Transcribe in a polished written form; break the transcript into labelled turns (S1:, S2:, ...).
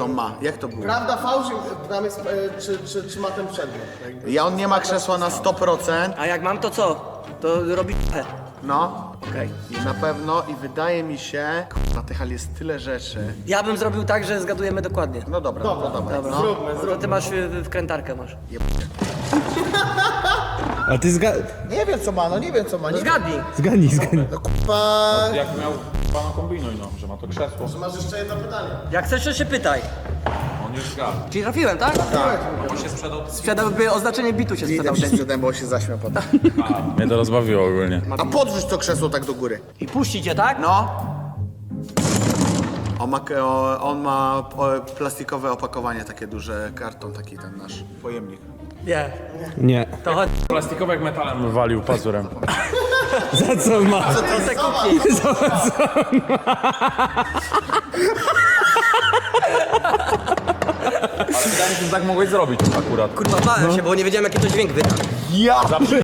S1: co on ma. Jak to było?
S2: Prawda, fałsz, tam jest, czy ma ten przedmiot?
S1: On nie ma krzesła na 100%.
S3: A jak mam, to co? To robi
S1: No.
S3: Okej.
S1: I na pewno, i wydaje mi się... Na tych hal jest tyle rzeczy.
S3: Ja bym zrobił tak, że zgadujemy dokładnie.
S1: No dobra, no to dawaj.
S3: Dobra,
S1: No.
S3: no to ty masz wkrętarkę masz.
S4: A ty
S2: Nie wiem co ma, no nie wiem co ma. Nie
S3: Zgadnij.
S4: zgadnij.
S2: Kurwa,
S5: Jak miał, pana kombinuj, no, że ma to krzesło.
S2: masz jeszcze jedno pytanie.
S3: Jak chcesz, to się pytaj.
S5: On już zgadł.
S3: Czyli trafiłem, tak?
S5: On się sprzedał.
S3: Sprzedałby oznaczenie bitu się sprzedał.
S1: Idę sprzedałem, bo się zaśmiał potem.
S5: Mnie to rozbawiło ogólnie.
S1: A podrzuć to krzesło tak do góry.
S3: I puścicie, tak?
S1: No. On ma plastikowe opakowanie, takie duże, karton taki ten nasz pojemnik.
S3: Nie.
S4: Nie.
S3: To chodź.
S5: Plastikowy jak metalem wywalił pazurem.
S4: Za co ma?
S3: To se kupi.
S5: Ale wydaje mi się, że tak mogłeś zrobić akurat.
S3: Kurwa, bałem się, bo nie wiedziałem, jaki to dźwięk wyda.